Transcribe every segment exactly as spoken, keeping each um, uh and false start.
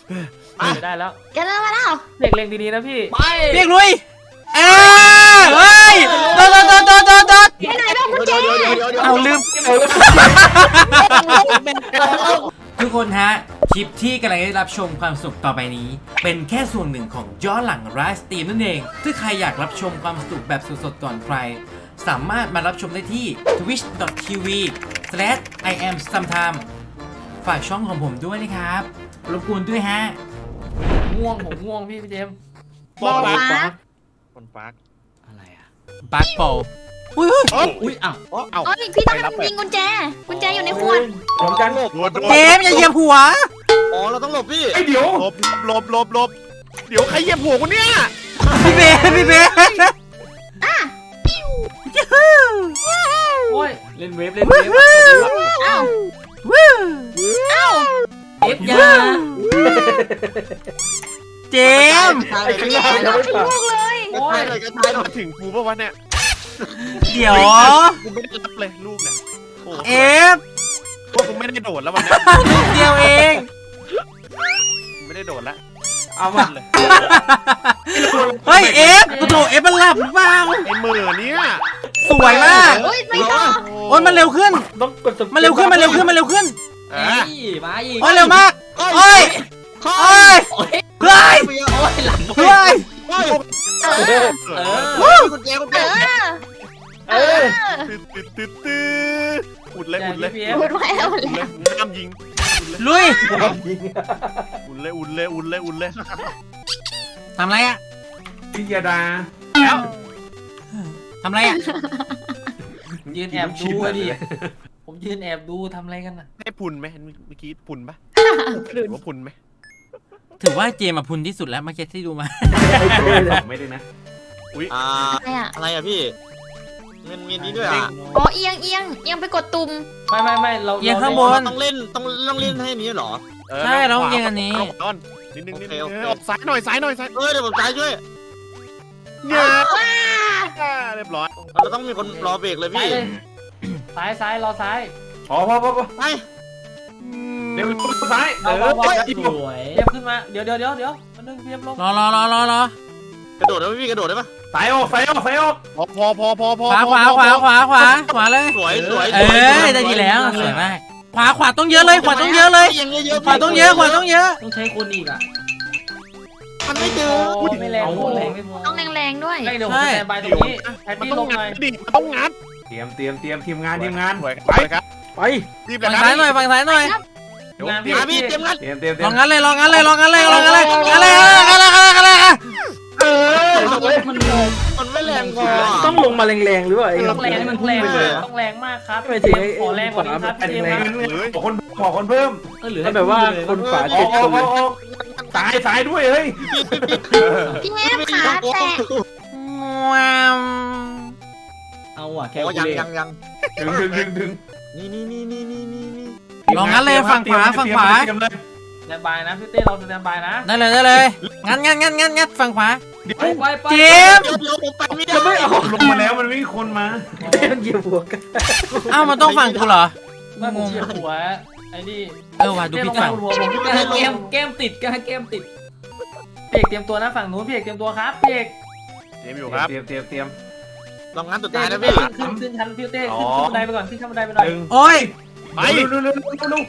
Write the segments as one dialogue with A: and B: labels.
A: ได้แล้ว
B: แกเริ่มมาแล้ว
A: เด็กเล็งดีๆนะพี่
C: ไป
D: เรียกลุยเออเฮ้ยโดดโดดโดดโดดโดดโดด
B: ไปไหนบ้างคุณเจ
D: เอาลืมทุกคนฮะคลิปที่กำลังได้รับชมความสนุกต่อไปนี้ เป็นแค่ส่วนหนึ่งของย้อนหลังไลฟ์สตรีมนั่นเองถ้าใครอยากรับชมความสนุกแบบสดๆก่อนใครสามารถมารับชมได้ที่ ทวิช ดอท ที วี สแลช ไอ แอม ซัมไทม์ ฝากช่องของผมด้วยนะครับรบกวนด้วยฮะ
A: ง่วงผมง่วงพี่พี่เจมส์
B: บอลฟ้า
C: คนฟัก
A: อะไรอ่ะ
D: บักโปอุ้ย
C: อุ้ยอ้าวอ้าว
B: โอ้ยพี่ต้องยิงกุญแจกุญแจอยู่ในขวด
C: พร้อมกันหลบ
D: เจมส์อย่าเหยียบหัว
C: อ๋อเราต้องหลบพี่
E: ไอเดี๋ยวหลบหลบหลบหลบเดี๋ยวใครเหยียบหัวกูเนี่ย
D: พี่เบสพี่เบส
A: โอ้ยเล่นเวฟเล่นเวฟ
B: เอ้า
D: วู้
B: เอ้า
A: เอฟยา
D: เจมส์
E: ไอ้ข้างหน้าจะไม่
B: ถึง
E: ผ่าน
B: ลูกเลย
C: โอ้ยเลยกัน
E: ไอ้ถึงกูปะวะเนี่ย
D: เดี๋ยว
E: กูไม่ได้รับเลยลูกเนี่ยโอ้
D: เอฟ
E: พวกกูไม่ได้โดดแล้ววันนี้
D: ลูกเดียวเอง
E: ไม่ได้โดดแล้ว
A: เอามา
E: เลย
D: เฮ้ยเอฟกระโดดเอฟมันหลับหรือเปล่า
E: ไอ้มือเนี่ย
D: สวยมาก
B: โอ้ยไม่ต้อง
D: โอ้ยมันเร็วขึ้น
A: ต้องกดส
D: มันเร็วขึ้นมันเร็วขึ้นมันเร็วขึ้น
E: อ่ะ
A: มาอีก
D: โอ้ยเร็วมากโอ้ยโอ้ยเฮ้ย
A: โอ้ยหลัง
D: เฮ้ย
B: เออ
A: เออ
D: วู้
C: กุญแจกุญ
B: เอ
C: แจ
B: อ
A: เออ
E: ตึ๊ดตึ๊ดตึ๊ดตึ๊ดอุดเลยอุดเลย
A: พี่
E: อุ
A: เอฟ
B: พูดไว้แล้ว
E: ดเลยน้ำยิง
D: ลุย
E: อุดเลยอุดเลยอุดเลยอุดเลย
D: ทำไรอะ
E: พิยดาแล้ว
D: ทำไรอะ
A: ยืนแอบดูอะดิผมยืนแอบดูทำอะไรกันน่ะ
E: ให้พุนไหมเมื่อกี้พุนปะว่าพุนไหม
D: ถือว่าเจมมาพุนที่สุดแล้วเมื่อกี้ที่ดูมา
E: ไม่ได้นะ
C: อ่า
B: อะไรอ่ะ
C: อะไรอ่ะพี่มันมีนี้ด้วยอ่ะ
B: อ๋อเอียงเอียงเอียงไปกดตุ่ม
A: ไม่ไม่ไม่เรา
D: เอียงข้างบน
C: ต้องเล่นต้องต้องเล่นให้นี้เหรอ
D: ใช่เราเอียงอันนี้
E: ต้นนิดนึงนิดนึง
C: โอเคโอเค
E: ออกซ้ายหน่อยซ้ายหน่อยซ้าย
C: เออเดี๋ยวผมจ่ายช่วย
E: เนี่ย
B: ว้า
E: เรียบร้อย
C: เราต้องมีคนรอเบรกเลย
A: ซ้าย
C: พี่
A: เลยซ้ายซ้ายรอซ้าย
E: พอพอพอพอ
C: ไป
E: เดี๋ยวซ้าย
A: เอา
E: เออ
A: เอาเอา
E: อีก
A: สวยเทียบขึ้นมาเดี๋ยวเดี๋ยวเดี๋ยวเดี๋ยวมันนึงเทียบลง
D: รอรอรอรอรอก
C: ระโดดได้ไหมพี่กระโดดได้ปะ
E: สายออกสายออกสายออกพอพอพอพอพอ
D: ขวาขวาขวาขวาขวาขวาเลย
C: สวยสวย
D: เอ้ยได้ดีแล้วสวยมากขวาขวาต้องเยอะเลยขวาต้องเยอะเลย
C: ยังเยอะ
D: ขวาต้องเยอะขวาต้องเยอะ
A: ต้องใช้คนอีกอ่ะ
C: มันไม่เจอ
A: โอ้ไม่แรงโอ้แรงไม่พอ
B: ต้องแรงๆด้วย
A: ไม่เดี๋ยวผมสแตนบายตรงนี้แพต
E: มัน
A: ตี้
E: ต้
A: ล
E: อง
A: งห
E: งั
A: น่อย
E: ดดิมันต้องงัด
F: เตรียมเตรียมเตรียมทีมงานทีมงาน
E: ไปครับไปรีบเลย
D: ฝั่ง
E: ครั
D: ซ้ายหน่อยฝั่งซ้ายหน่อย
A: งาน
C: มา
A: พี่
C: พี่เตรียมงัด
F: เตรียมเตรียมเตรี
D: ล
F: ย
D: อ
F: ม
D: งงั้นเลยลองงั้นเลยลองงั้นเลยลองงั้นเลยงั้นเลยงั้นเลยงั้นเลยงั้นเลย
E: เออ
A: มัน
C: มันไม่แรงพอ
F: ต้องลงมาแรงๆหรือเปล่าไอ้
A: ต้องแรงมันแรงต้องแรงมากครับขอแรงกว่านี้ครับพี่เจมส์ครับ
E: เลย
F: ขอคนขอคนเพิ่ม
A: เออเหลือ
F: มันแบบว่าคนฝา
E: อ
F: เจ็
E: อ
F: ด
E: กอ
F: ค
E: อก
F: น
E: ออกออกสายสายด้วยเฮ้ย
B: พี่แอมขาแตะ
D: ว้าว
A: เอาอ่ะแค่
C: โอ้ยังยังยัง
E: ดึงดึงดึงดึง
C: นี่นี่นี่นี่นี่นี่นี่
D: ลองงั้นเลยฝั่งขวาฝั่งขวา
E: เตรียมเลย
A: สแตนบายนะพี่เต้เราสแตนบายนะ
D: ได้เลยได้เลยงั้นงั้นงั้นงั้นงั้นฝั่งขวา
A: ไปไปไป
D: เจม
C: เดี๋ยวเดี๋ยวผมไปไม่ได้
F: จะไม่ออก
E: ลงมาแล้วมันไม่มีคนมา
F: เต้นเหยียบหัวกัน
D: เอ้ามันต้องฝั่งกูเหรอ
A: ไม่ผมเฉียบหัวไอ้นี่
D: เออว่ะดูผิดฝั่ง
A: หัวผมเกมเกมติดกันเกมติดพี่เอกเตรียมตัวนะฝั่งนู้นพี่เอกเตรียมตัวครับพี่เอก
E: เตรียมอยู่ครับ
F: เตรียมเตรียมเตรียม
C: ลองงั้นสุด
A: เต้
C: ท้ายนะ
A: ขึ้
C: พี่
A: นขึ้นขึ้นชั้นพี่เต้ขึ้นขึ้นบันไดไปก่อนขึ้นชั้นบันไดไปหน่อย
F: หนึ่ง
D: โอ้ย
E: ไป
F: เร็วเร็วเร็วเร็วเร็ว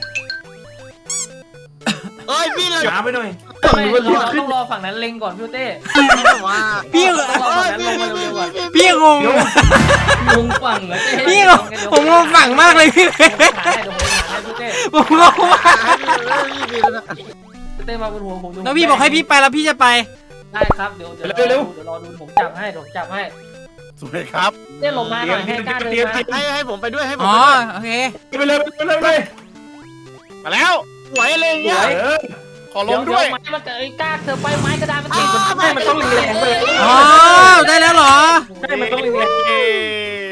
C: เอ้ยพี่เลย
F: ช้าไปหน่อย
A: ไม่เราต้องรอฝั่งนั้นเล็งก่อนพี่เต้
C: ว่า
D: พี่
A: ต้องรอฝั่งนั้นลงมาเร็วๆก่อน
D: พี่งง
A: ลงฝั่งแล้วเต้
D: พี่งงผมงงฝั่งมากเลยพี่
A: หาให้เดี๋ยวผมหาให้พี่เต้
D: ผมงงมาก
A: พี่เต้มาบนหัวผมดู
D: แล้วพี่บอกให้พี่ไปแล้วพี่จะไป
A: ได้ครับเดี๋ยวเดี๋ยวเดี๋ยวรอดูผมจับให้เดี๋ยวจับให้
E: สวยครับ
A: เต้ลงมาหน่อยให้กล้าเดินมา
C: ให้ให้ผมไปด้วยให้ผม
D: อ๋อ
C: ไปด้วย
D: โอเค
F: ไปเลยไปเลยไปเลย
E: มาแล้ว
C: สวยอะไรเงี้ย
F: เออ
E: ขอลงด้วย
A: ไม้มันเกิดกล้าเธอไปไม้กระดานมันติด
F: ให้มันต้องแรงๆเลย
D: อ๋อได้แล้วเหรอ
F: ใช่มันต้องแรง
E: เย้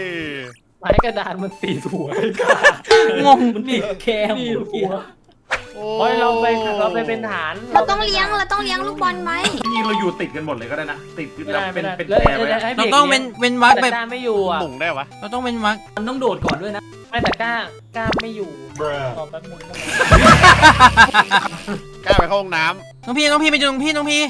A: ไม้กระดานมันตีหัว
D: งง
A: มันนี่แคมหัว
E: โ
F: โอ้ยเราไปเราไปเป็นฐาน
B: เราต้องเลี้ยงเราต้องเลี้ยงลูกบอลไหม
F: จริงๆเราอยู่ติดกันหมดเลยก็ได้นะติดกันแบบเป็นเป็น
A: แล้ว
F: แพรไว้
A: แล้วให้
D: เรา
A: พี่
D: ต้อง
A: ก
D: เว้น
A: ลี้ย
D: เว้นวัก
A: แต่
D: แบบ
A: กล้าไม่อยู่อ่ะ
E: หมุงได้วะ
D: เราต้องเว้นวัก
A: มันต้องโดดก่อนด้วยนะไม่แต่กล้ากล้าไม่อยู่รอแป๊บนึงได้ไหม
E: กล้าไปเข้าห้องน้
D: น้องพี่น้องพี่ไปดูน้องพี่น้องพี่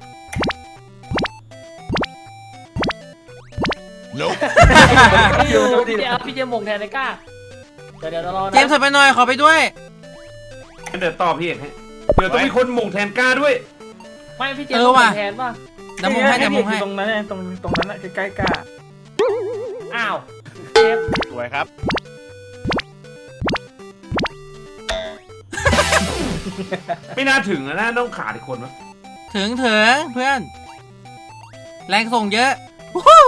A: พี่อยู่พี่เจมพี่เจมมงแทนไอ้กล้าเดี๋ยวเดี๋ยวเรารอนะ
D: เจมส์ถอยไปหน่อยขอไปด้วย
F: เดี๋ยวต่อพี่เอกให้เดี๋ยวต้องมีคนหม่งแทนกล้าด้วย
A: ไม่พี่เจม
D: เอ
A: ม
D: องว่ะ
A: แทนป่ะ
D: เดี๋ยวมุงให้เดี๋ยวมุงให้
F: ตรงนั้นตรงตรงนั้นใกล้ๆกล้า
A: อ้าวเจม
E: ำสวยครับ
F: ไม่น่าถึงนะน่าต้องขาดอีกคนมั้ย
D: ถึงถึงเพื่อน แรงส่งเยอะวู้ฮู้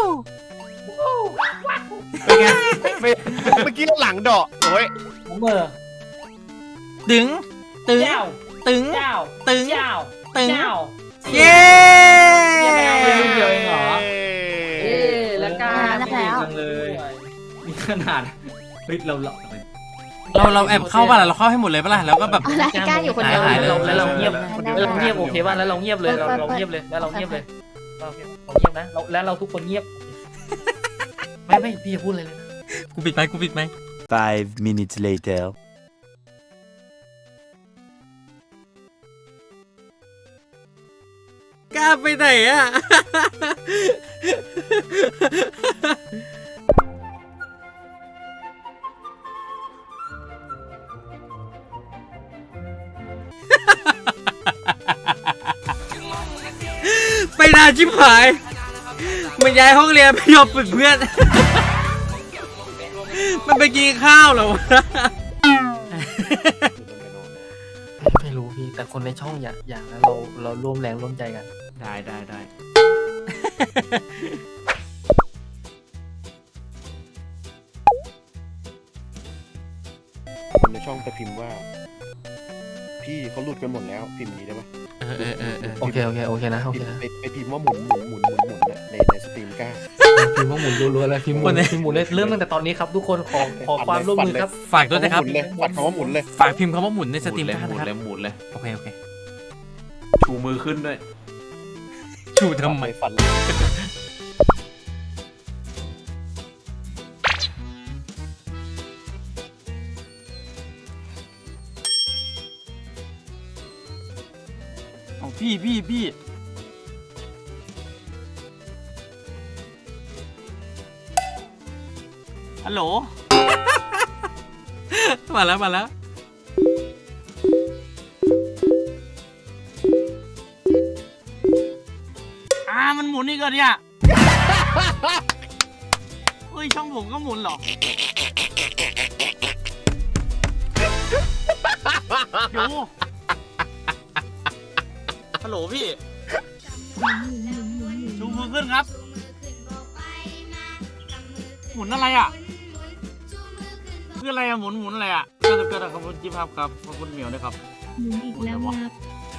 F: เป็นไงไม่
E: เมื่อกี้หลังเดาะโอ้ย
A: ผมเมื่อ
D: ตึงตึง
A: เจ้า
D: ตึง
A: เจ้า
D: ตึง
A: เจ้า
D: ตึง
A: เจ้า
D: เย้
A: ยังไม่เอาไปลูกเดียวเองเหรอ
E: เอ้
A: เอ๊ะแล้วกล้า
B: แล้ว
A: เก่ง
B: แล้ว
A: จังเลยนี่ขนาดเฮ้ยเราเรา
D: เราเราแอบเข้าป่ะล่ะเราเข้าให้หมดเลยป่ะล่ะแล้วก็แบบ
B: อะไรกล้าอยู่คนเดียว
D: หายเลย
A: แล้วเราเงียบ
B: ได้
A: แล้วเรา
B: ได้
A: เงียบโอเคป่ะแล้วเราเงียบเลยเราเราเงียบเลยแล้วเราเงียบเลยเราเงียบเราเงียบนะเราแล้วเราทุกคนเงียบไม่ไม่พี่จะพูดอะไรเลยนะ
D: กูปิดไหมกูปิดไหม
G: Five minutes later.
D: กล้าไปไหนอ่ะ ไปนานชิบหาย มันย้ายห้องเรียนไม่ยอมฝึกเพื่อน มันไปกินข้าวเหรอวะ
A: ไม่รู้พี่แต่คนในช่องอยากอยากแล้วเราเราร่วมแรงร่วมใจกัน
F: ได้ได้ได้
E: คนในช่องจะพิมพ์ว่า พี่เขาหลุดกันหมดแล้วพิมพ์อย่างนี้ได้ปะ
D: เออเออเออเออ
A: โอเคโอเคโอเคนะโอ
E: พิ
A: เค
E: มพ์
A: นะ
E: ไปไปพิมพ์ว่าหมุนหมุนหมุนหมุนหมุนน่ะในในสตรีมกล้า
A: พิมพ์ว่าหมุนรัวๆเลยพิมพ์หมุนพิมพ์หมุนเลยเริ่มตั้งแต่ตอนนี้ครับทุกคนขอขอความร่วมมือครับ
D: ฝากด้วยนะครับ
E: หมุนเลยปัดคำว่าหมุนเลย
D: ฝากพิมพ์คำว่าหมุนในสตรีม
F: เลย
D: ได้
F: หมุน
D: นะครับ
F: เลยหมุนเลย
D: โอเคโอเค
F: ชูมือขึ้นด้วย
D: ชูทำไม
E: ฝันเลย
D: เอาพี่พี่พี่ฮัลโหล มาแล้วมาแล้ว อ่ามันหมุนอีกเหรอเนี่ย เฮ้ยช่องผมก็หมุนเหรอ โย
C: ฮัลโหลพี่
D: ชูมือขึ้นครับ หมุนอะไรอ่ะคืออะไรอ่ะหมุนหมุนอะไรอ่ะก็จะเกิดขอบคุณจิ๊บครับครับขอบคุณเหมียวด้วยครับหมุนอีกแล้วครับ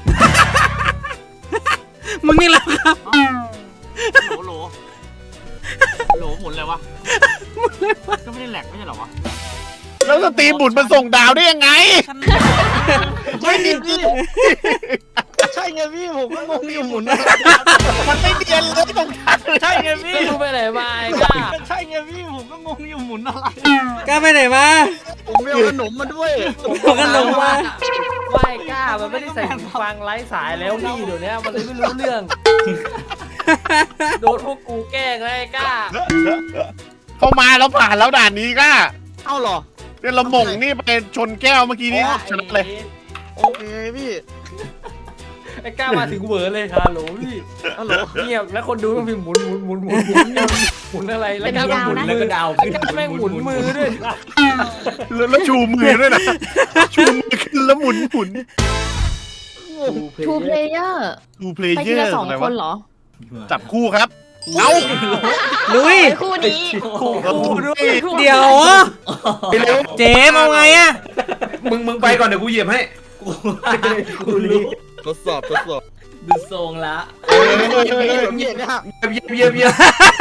D: มึงนี่แหละครับโหลโหลโหลหมุนอะไรวะหมุนอะไรวะก็ไม่ได้แหลกไม่ใช่เหรอวะ
E: แล้วสตรีมหมุนมันส่งดาวได้ยังไง
C: ไม่ดีพี่ใช่ไงพี่ผมก็งงอยู่หมุน
E: มันไม่เนียนเลยตรงทัน
D: ใช่ไงพี่
A: รู้ไปไหนมาไอ้กล้า
D: ใช่ไงพี่ผมก็งงอยู่หมุนอะไรกล้าไปไหนมา
C: ผมไม่เอาขนมมาด้วย
D: ผมก็ลงมา
A: ว่าไอ้กล้ามันไม่ได้ใส่หูฟังไร้สายแล้วพี่เดี๋ยวนี้มันเลยไม่รู้เรื่อง โดนพวกกูแกล้งแล้วไอ้กล้า
E: เข้ามาแล้วผ่านแล้วด่านนี้ก็
C: เอ้าเหรอ
E: เนี่ยเราหม่งนี่ไปชนแก้วเมื่อกี้นี้ชนะเลย
C: โอเคพี่
A: ไอ้กล้ามาถึงเหวอเลยฮัลโหลพี่ฮัลโหลเงียบแล้วคนดูต้องพิมพ์หมุนหมุนหมุนหมุนหมุนหมุนอะไรแล้วก็หมุนแล้วก็ดาวไอ้กล้าแม่งหมุนมือด้วย
E: แล้วแล้วชูมือด้วยนะ ชูมือขึ้นแล้วหมุนหมุน
B: ทูเพลเยอร์
E: ดูเพล
B: ไป
E: เย
B: ที
E: อ
B: ละ
E: ร์
B: สอง
E: อะไร
B: ค
E: วะ
B: นเหรอ
E: จับคู่ครับ เอา
D: ลุย
B: ไปคู่นี้
A: คู่ด้วย
D: เดี๋ยว
F: ไปเร็ว
D: เจมเอาไงอะ
F: มึงมึงไปก่อนเดี๋ยวกูเหยียบให้กูรู้
C: ทดสอบทดสอบ
A: ดูทรงละ
C: เออเย็นเนี่ย
F: เหยียบเหยียบเหยียบ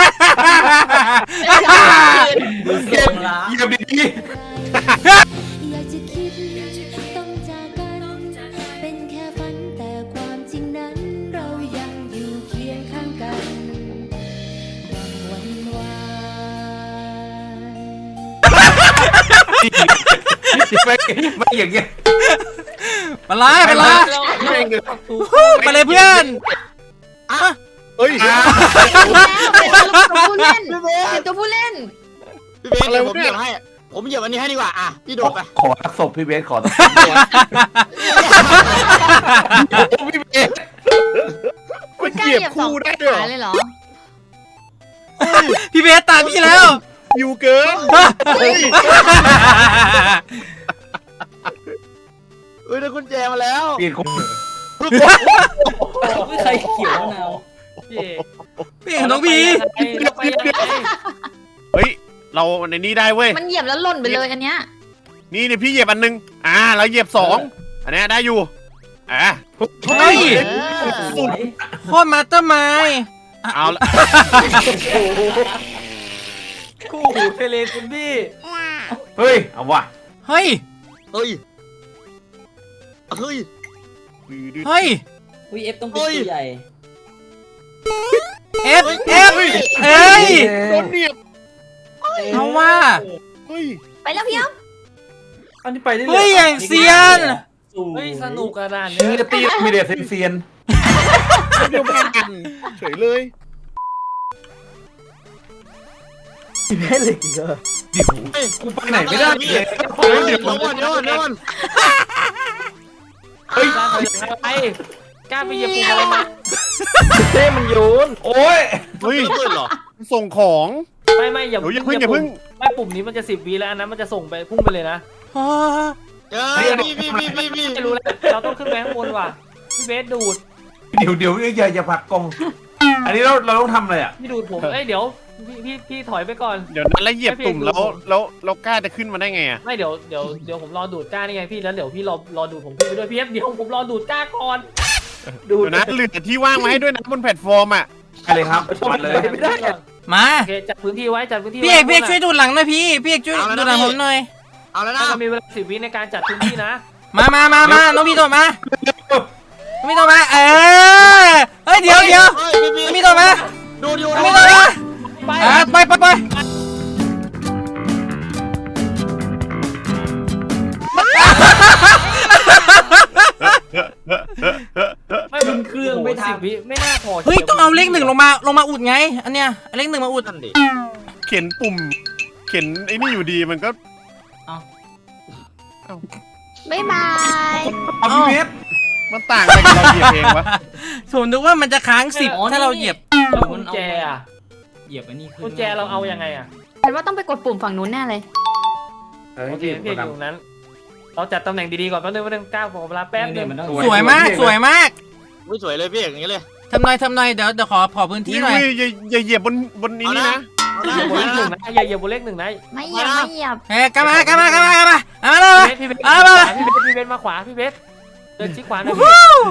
A: ดูทรงละ
F: เหยียบดี
H: อยากจะคิดต้องจากกัน
F: ไม่ไม่อย่างเงี้ย
D: ไปเลยไปเลยไปเลยเพื่อน
E: เฮ้ย
B: แล้วตัวผู้เล่นเก็บตัวผู้เล่น
C: พี่เบสเดี๋ยวผมเหยียบให้ผมเหยียบอันนี้ให้ดีกว่าอ่ะพี่โดดไป
F: ขอทักศพพี่เบสขอทักศพพี่เบส
E: มัน
B: กล้า
E: เหยียบ
B: เหยียบสอง
E: คู่ได้ด้วยเหร
B: ขา
E: อ
B: เลยเหรอ
D: พี่เบสตามพี่แล้ว
E: อยู่เกิน
C: เฮ้ยได้กุญแจมาแล้ว
F: เปลี่ยนคน
A: ไม่ใครเขียวมะนาวพี่เอก
D: พี่เอกน้องพี
A: เราไปยังไง
E: เฮ้ยเราในนี้ได้เว้ย
B: มันเหยียบแล้วหล่นไปเลยอันเนี้ย
E: นี่เนี่ยพี่เหยียบอันนึงอ่าเราเหยียบสองอันนี้ได้อยู่อ่ะ
D: เฮ้ย
B: เออ
D: โคตรมาสเตอร์ไมล์
E: เอาละ
A: คู่หูเทเลคุณพี่
F: เฮ้ยเอาว่ะ
D: เฮ้ย
C: เฮ้ยเฮ้ย
D: เฮ้ย
H: วีเอฟต้องเป็นตัวใหญ่
D: เอฟเอฟเอ้ย
E: โดนเหนียบ
D: เอาว่า
E: เฮ้ย
B: ไปแล้วพี่อ๊อฟ
A: อันนี้ไปได้เลย
D: เฮ้ยอย่างเซียน
A: เฮ้ยสนุกขนาด
F: มื
A: นี้
F: อตีมีเดียเซียน
E: เดียวกันเฉยเลย
F: กูไปไหนไม่ได้
C: พี่
F: เลย
C: เฮ้ยเดี๋ยวก่อนเดี๋ยวก่อนเดี๋ยวก่อน
A: เฮ้ยกล้าไปยังไงกล้าไปเหยียบปุ่มอะไรมา
F: เท่มันโยนโอ้ย
E: เฮ้ย
C: เปิดเหรอ
E: ส่งของ
A: ไม่ไม่อย่า
E: เดี๋ยวอย่าเพิ่งอย่าเพิ่ง
A: ไม่ปุ่มนี้มันจะสิบวิแล้วอันนั้นมันจะส่งไปพุ่งไปเลยนะ
C: เฮ้ยพี่พี่พี่พี่พี่
A: ไม่รู้แล้วเราต้องขึ้นไปข้างบนว่ะพี่เบสดูด
F: เดี๋ยวเดี๋ยวอย่าอย่าผลักกล้อง อันนี้เราเราต้องทำอะไรอ่ะ
A: พี่ดูดผมเอ้ยเดี๋ยวพี่พี่พี่ถอยไปก่อน
E: เดี๋ยวนั้นแล้วเหยียบตุ่มแล้วแล้วแล้วกล้าจะขึ้นมาได้ไงอ่ะ
A: ไม่เดี๋ยวเดี๋ยวเดี๋ยวผมรอดูดก้านี่ไงพี่แล้วเดี๋ยวพี่รอรอดูดผมขึ้นไปด้วยพี่เอฟเดี๋ยวผมรอดูดก้าก่อน
E: เดี๋ยวนะเหลือที่ว่างมาให้ด้วยนะบนแพลตฟอร์มอ่ะ
F: ไปเลยครับมาเลย
A: ไม่ได้
D: มา
A: โอเคจัดพื้นที่ไว้จัดพื้นที่
D: พี่เอกพี่เอกช่วยดูหลังหน่อยพี่ พี่เอกช่วยดูหลังผมหน่อย
C: เอาแล้วนะ
A: เรามีเวลาสิบวิในการจัดพื้นที่นะ
D: มามามามาน้องพี่โดดมา น้องพี่โดดมา เออ เฮ้ยเดี๋ยวเดี๋ยว
C: เฮ้ยพี่
D: น้อง
C: พี่
D: พี่โดดมา
C: ดูดู
D: น้อง
C: ดู
D: พี่โดดมา
A: ไป
D: อ่าไปไปไป
A: ไม่มันเครื่องไม่สิบวิไม่น่าพอ
D: เฮ้ยต้องเอาเลขหนึ่งลงมาลงมาอุดไง อันเนี้ยเอาเลขหนึ่งมาอุด
C: นั่นดิ
E: เขียนปุ่ม เขียนไอ้นี่อยู่ดีมันก็
B: บ๊ายบาย
F: เอาพี่เบส
E: มันต่างอะไรกับเราเหยียบเองวะ
D: ผมนึกว่ามันจะค้างสิบถ้าเราเหยียบ
A: แล้วกุญแจอะ
H: เหยียบอันนี้ขึ้น
A: กุญแจเราเอายังไงอะ
B: ฉันว่าต้องไปกดปุ่มฝั่งนู้นแน่เลย
A: โอเคพี่อยู่ตรงนั้น เราจัดตำแหน่งดีๆก่อนแป๊บนึงแป๊บนึงก้าวขอเวลาแป๊บนึ
H: เนี่ย
A: ง
H: มันต้อง
D: สวยมากสวยมาก
C: อุ้ยสวยเลยพี่อย่างนี้เลย
D: ทำหน่อยทำหน่อยเดี๋ยวเดี๋ยวขอขอพื้นที่หน่อย
E: อุ้ยอย่าอย่าเหยียบบนบนนี้นี่นะ
A: อย่าเหยียบบนเลขหนึ่งนะอย่าเหยียบบนเลขหนึ่งนะ
B: ไม่เหยียบไม่เหยียบ
D: เฮ้ยกลับมากลับมากลับมากลับมาเอามาเลย
A: พี่เบส
D: เอา
A: พี่
D: มา
A: เบสพี่เบสพี่เบสมาขวาพี่เบสเดินชิดขวาหน่อย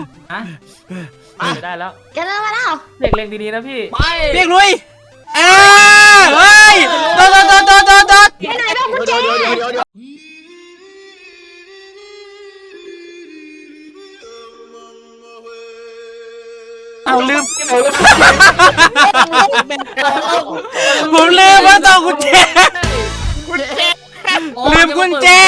A: พี่ได้แล้ว
B: แกเริ่มมาแล้ว
A: เล็กเล็งดีๆนะพี่
C: ไป
D: เรียกลุยเอ้ยเฮ้ยโดดโดดโดดโดดโดดโดด
B: ไปไหนบ้างกุญแจ
C: เดี๋ยวเดี๋ยวเดี๋ยวเดี๋ยว
D: เอาลืมผมลืมว่าต้องกุญแจลืมกุญแจ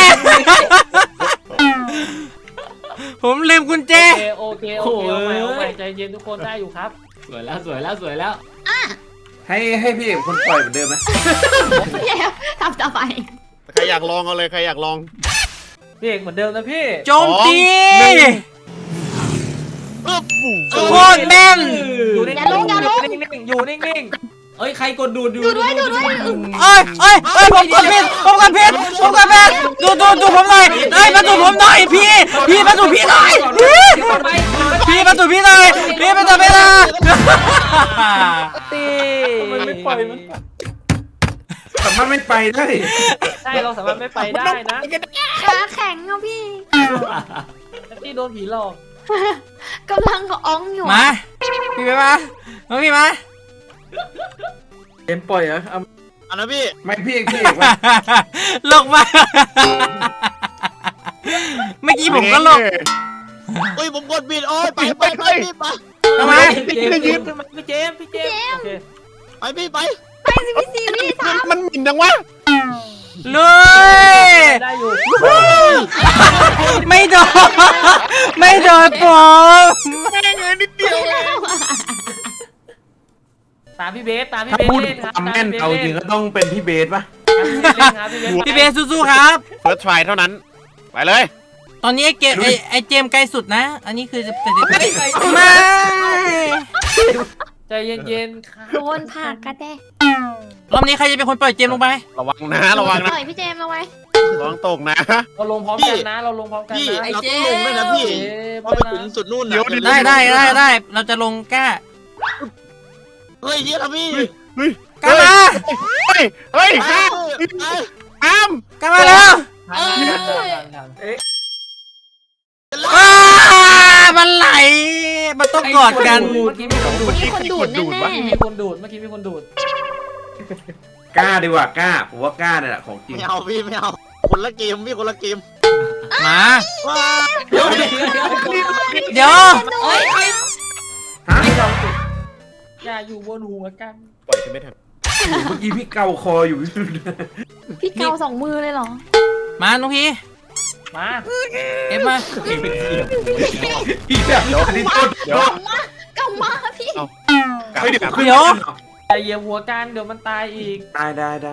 D: ผมลืมกุญแจ
A: โอเคโอเคโอเคเอาใหม่เอาใหม่ใจเย็นทุกคนได้อยู่ครับ
H: สวยแล้วสวยแล้วสวยแล้ว
F: ให้ให้พี่เอกคนปล่อยเหมือนเดิมไหม
B: แย่ทำต่อไป
E: ใครอยากลองเอาเลยใครอยากลอง
A: พี่เอกเหมือนเดิมนะพี่
D: โจมตี
E: ปึ๊บบุ๋ม
D: โคตรแม่น
A: อยู่นิ่งๆอยู่นิ่งๆ
H: เอ้ยใครกดดูดดู
B: ดูด้วยดูด้วย
D: เอ้ยเอ้ยเอ้ยผมกดผิดผมกดผิดผมกดผิดดูดูดูผมหน่อยเอ้ยมาดูผมหน่อยพี่พี่มาดูพี่หน่อยพี่พี่มาดูพี่หน่อยพี่มาดูพี่หน่อย
A: ตีมันไม่ปล่อยมัน
F: สามารถไม่ไปได้
A: ใช่เราสามารถไม่ไปได้นะ
B: ขาแข็งอ่ะพี่
A: ที่โดนผีหลอก
B: กำลังอ้องอยู่
D: มาพี่ไปมามาพี่มา
A: เกมปล่อยเหรอ
C: อันนั้นพี่
F: ไม่พี่เอกพี่เอกว่า
D: ลงมาเมื่อกี้ผมก็ลง
C: เฮ้ยผมกดบิดโอ้ยไปไปไปพี่ไป
D: ทำไม
A: พี่เจมส์ขึ้นมาพี่เจมส์พี่เจมส์โอเค
C: ไปพี่ไป
B: ไปสิพี่สี่วิสาม
E: มันหมิ่นจังวะ
D: ลุย
A: ได้อยู่
D: ไม่โดนไม่โดนผม
E: แม่งเงินนิดเดียวเอง
A: ตามพี่เบสตามพี่
F: ถ้า
A: เบส
F: พูด
A: เล่นครับ
F: ทำแม่นเอาจริงก็ต้องเป็นพี่เบสป่ะ
A: ตามพี่เบสเล่นครับพี่เบส
D: พี่เบสสู้ๆครับ
E: เฟิร์สทรายเท่านั้น ไปเลย
D: ตอนนี้ไอเกมไอไอเจมไกลสุดนะ อันนี้คือจะเป็นไม่
A: ใจเย็นๆครับ
B: โดนผักกระแดะ
D: รอบนี้ใครจะเป็นคนปล่อยเจมลงไป
E: ระวังนะระวังนะ
B: ปล่อยพี่เจมส์เอาไว้
E: ระวังตกนะ
A: เราลงพร้อมกันนะเราลงพร้อมกัน
C: พี่
A: นะ
C: เราต้องลงด้วยนะพี่
A: เอ๊ะ
C: พอไปถึงสุดนู่นน่ะ
D: ได้ได้ได้ได้เราจะลงกล้า
C: เฮ้ยเฮียนะพี่
E: เฮ้ย
D: กล้ามา
E: เฮ้ยเฮ้ย
C: ไป
E: ห้าม
C: ไป
E: ห้าม
D: กล้ามาแล้ว
A: ทันทันทันทันทันเอ๊ะ
D: อ้ามันไหล มันต้องกอดกัน
A: เมื่อกี้มีคนดูด
B: มีคนดูดแน่
A: เมื่อกี้มีคนดูดเมื่อกี้มีคนดูด
F: กล้าดีกว่ากล้าผมว่ากล้าเนี่ยแหละของจริง
C: ไม่เอาพี่ไม่เอาคนละเกมพี่คนละเกม
D: มา
C: ว้า
H: เดี๋ยว
D: เดี๋ยว
H: เฮ้ย
F: ฮะ
A: อย่าอยู่บนหัวกัน
E: ปล่อยฉันไม่ทัน
F: เมื่อกี้พี่เกาคออยู่
B: ๆพี่เกาสองมือเลยเหรอ
D: มาน้องพี่
A: มา
D: เอ็มมา
F: อีกแบบอันนี้ต้น
E: เดี๋ยว
B: เกามาพี่
F: เฮ้ยเดี๋ยวขึ้น
D: เดี๋ยว
A: อย่าเหยียบหัวกันเดี๋ยวมันตายอีก
F: ได้ได้ได้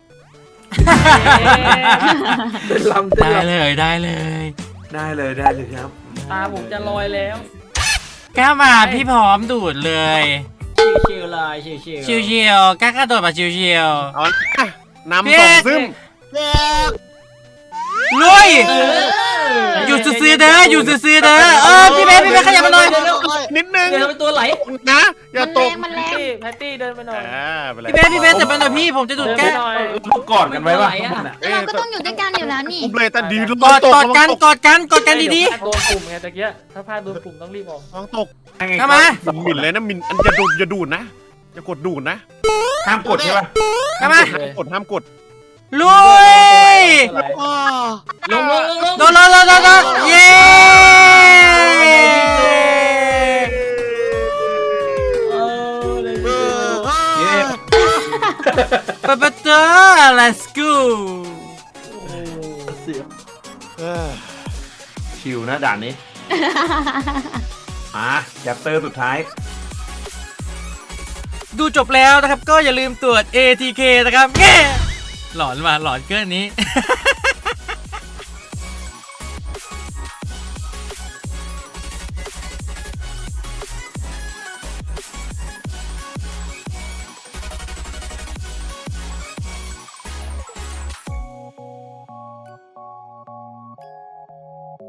A: เดินลำเดิน
D: ได้
A: ล
D: เลยได้เลย
F: ได้เลยได้เลยครับ
A: ำตาผมจะลอยแล้ว
D: กล้ามาพี่พร้อมดูดเลย
H: ชิวๆเลยชิวๆ
D: ชิวๆกล้ากระโดดมาชิว
E: เอานะนำส่งซึม
C: เด็ก
D: ๆลุยอยู่ซื่อๆเด้ออยู่ซื่อๆเด้อเออพี่เบสพี่เบสขยับมาหน่อย
E: นิดนึง
H: เดี๋ยวเป็นตัวไหล
E: นะ อย่า
B: มัน
E: ต
B: แร
E: ก
B: งมันแร
A: แพต
B: ง
A: ตี้แพตตี้เดินไปหน่อย
E: อ่าไปเลย
D: พี่เบสพี่เบสจะเป็นหน่อยพี่ผมจะดูด
A: เดิน
D: แก้
A: ไปหน่อย
F: เรากอดกันไว้ป่ะทุกคนอ่ะ
B: แล้วเราก็ต้องอยู่ด้วยกันอยู่แล้วนี่
E: ปุ๊บเลยแต่ดี
D: กอดกอดกันกอดกันกอดกันดี
A: เยวพลาโดนปุ่มไงตะเกียถ้าพลาดโดนปุ่มต้องรีบออก
E: ลองตก
D: ๆเข้ามา
E: มินมินเลยนะมินอันอย่าดูดอย่าดูดนะอย่ากดดูดนะ
F: ห้ามกดใช่ป่ะ
D: เข้ามา
E: ห้ามกดห้ามกด
D: ลุย
C: อ๋อ
H: ลงลงลงลง
D: โดนโดนโดนโดนโดนเย้
H: เออเลย
C: เออ
F: เย้
D: ปะปะเตอ let's go
E: เออ
F: ชิวนะด่านนี้มาแชปเตอร์สุดท้าย
D: ดูจบแล้วนะครับก็อย่าลืมตรวจ เอ ที เค นะครับแง่หลอนมาหลอนเกินนี้